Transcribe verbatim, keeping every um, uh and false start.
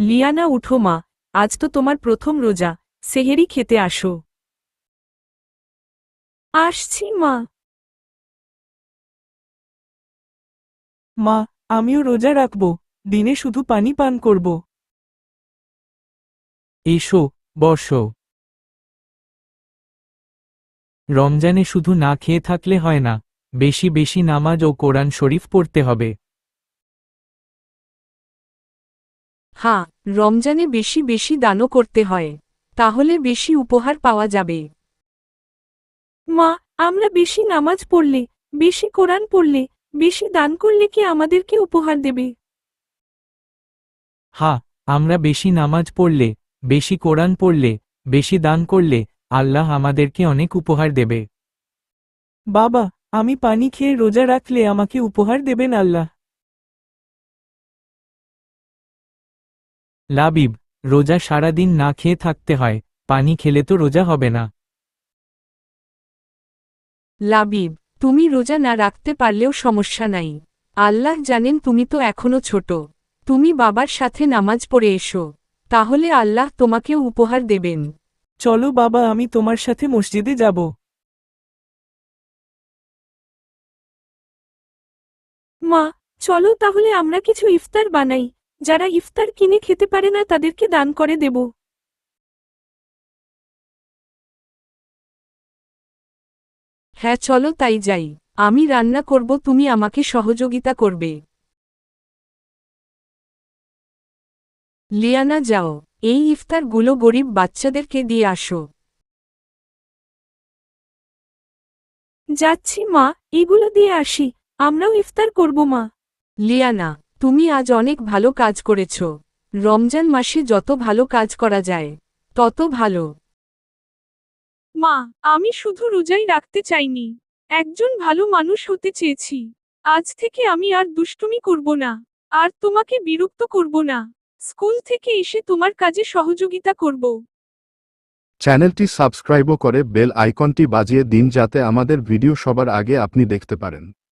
Liana উঠো মা, আজ তো তোমার প্রথম রোজা, সেহেরি খেতে আসো। আসছি মা। মা, আমিও রোজা রাখব, দিনে শুধু পানি পান করব। এসো, বসো। রমজানে শুধু না খেয়ে থাকলে হয় না, বেশি বেশি নামাজ ও কোরআন শরীফ পড়তে হবে। হ্যাঁ, রমজানে বেশি বেশি দানও করতে হয়, তাহলে বেশি উপহার পাওয়া যাবে। মা, আমরা বেশি নামাজ পড়লে, বেশি কোরআন পড়লে, বেশি দান করলে কি আমাদেরকে উপহার দেবে? হ্যাঁ, আমরা বেশি নামাজ পড়লে, বেশি কোরআন পড়লে, বেশি দান করলে আল্লাহ আমাদেরকে অনেক উপহার দেবে। বাবা, আমি পানি খেয়ে রোজা রাখলে আমাকে উপহার দেবেন আল্লাহ? লাবিব, রোজা সারাদিন না খেয়ে থাকতে হয়, পানি খেলে তো রোজা হবে না। লাবিব, তুমি রোজা না রাখতে পারলেও সমস্যা নাই, আল্লাহ জানেন তুমি তো এখনো ছোট, তুমি বাবার সাথে নামাজ পড়ে এসো, তাহলে আল্লাহ তোমাকেও উপহার দেবেন। চলো বাবা, আমি তোমার সাথে মসজিদে যাব। মা, চলো তাহলে আমরা কিছু ইফতার বানাই, যারা ইফতার কিনে খেতে পারে না তাদেরকে দান করে দেব। হ্যাঁ চলো তাই যাই, আমি রান্না করব, তুমি আমাকে সহযোগিতা করবে। লিয়ানা যাও, এই ইফতারগুলো গরিব বাচ্চাদেরকে দিয়ে আসো। যাচ্ছি মা, এগুলো দিয়ে আসি, আমরাও ইফতার করব মা। লিয়ানা, তুমি আজ অনেক ভালো কাজ করেছ, রমজান মাসে যত ভালো কাজ করা যায় তত ভালো। মা, আমি শুধু রোজাই রাখতে চাইনি, একজন ভালো মানুষ হতে চেয়েছি। আজ থেকে আমি আর দুষ্টুমি করব না, আর তোমাকে বিরক্ত করব না, স্কুল থেকে এসে তোমার কাজে সহযোগিতা করব। চ্যানেলটি সাবস্ক্রাইবও করে বেল আইকনটি বাজিয়ে দিন যাতে আমাদের ভিডিও সবার আগে আপনি দেখতে পারেন।